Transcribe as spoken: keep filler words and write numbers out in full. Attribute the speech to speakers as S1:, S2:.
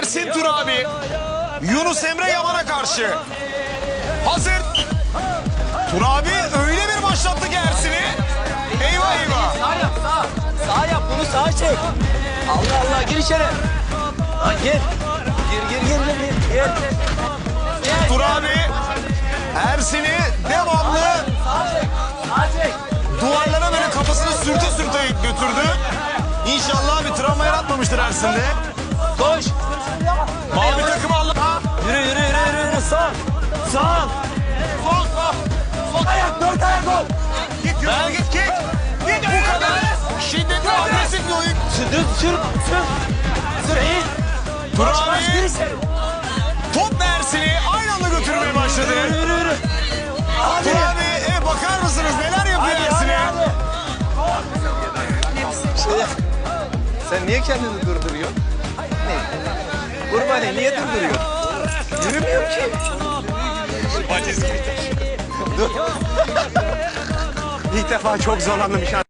S1: Ersin Turabi, Yunus Emre Yaman'a karşı. Hazır. Turabi öyle bir başlattı ki Ersin'i. Eyvah eyvah.
S2: Sağ yap sağ. Sağ yap bunu sağa çek. Allah Allah gir içeri. Lan gir. Gir gir gir gir. Gir. Gir.
S1: Turabi Ersin'i devamlı
S2: Sağa çek. Sağa çek.
S1: duvarlara böyle kafasını sürte sürte götürdü. İnşallah bir travma yaratmamıştır Ersin'de.
S2: Koş.
S1: Mavi takımı Allah.
S2: Yürü yürü yürü yürü. yürü. Sağ. Sağ.
S1: Sol sol.
S2: Sol ayak dört ayak ol.
S1: Git git git git. Git bu kadar şiddetli agresif bir oyun.
S2: Sür sür sür. Sür iyi.
S1: Turabi
S2: Gir içeri.
S1: top Ersin'i aynı anda götürmeye başladı.
S2: Yürü yürü yürü. Hadi.
S1: Turabi e, bakar mısınız neler yapıyor
S2: Hadi
S1: Ersin'e?
S2: hadi hadi. Şey, sen niye kendini durduruyorsun? Ne? Kurbani niye durduruyorsun? Yürümüyor ki.
S1: Valiz gibi.
S2: Dur. İlk defa çok zorlandım.